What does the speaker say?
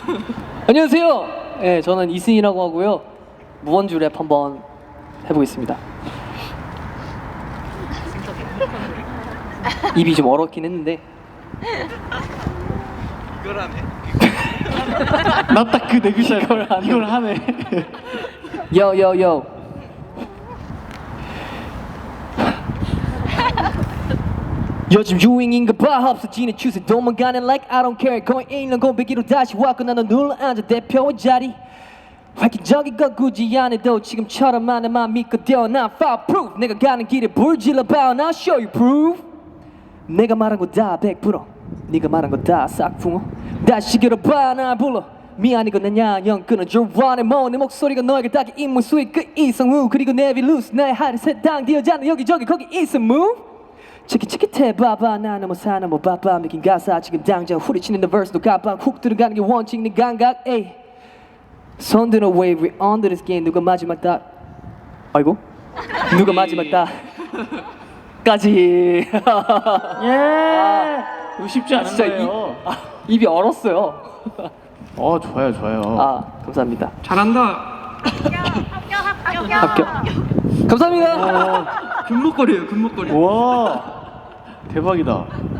안녕하세요. 네, 저는 이승이라고 하고요. 무원주 랩 한번 해보겠습니다. 입이 좀 얼었긴 했는데. 이걸 하네. 나 딱 그 네 글자 이걸 하네. Yo. 요즘 유행인가 봐. 없어지는 추세 도망가는 like I don't care. 거의 1년 공백기로 다시 왔고 나는 눌러앉아 대표의 자리. 획기적인 건 굳이 안 해도 지금처럼 많은만 믿고 뛰어 난 fireproof. 내가 가는 길에 불 질러봐. I'll show you proof. 내가 말한 거 다 100%. 네가 말한 거 다 싹풍어. 다시 길어봐 날 불러. 미안이고 나냐 영 끊어줘 원해 뭐 내 목소리가 너에게 닿게 인물 수익 그 이성우 그리고 내비루스 나의 하늘 세상 뒤어자는 여기저기 거기 있어 move. 치키치키해 봐봐 나 너무 사나 뭐 바빠 믿긴 가사 지금 당장 후리치는 the verse 도 가방 훅 들어가는 게 원칙 내 감각 에이 손 드는 wave we under this game 누가 마지막 다 아이고 누가 마지막 다 까지 예. 이거 쉽지 않은 진짜 거예요. 입이 얼었어요. 좋아요. 감사합니다. 잘한다. 합격. 감사합니다. 금목걸이에요, 금목걸이. 와 대박이다.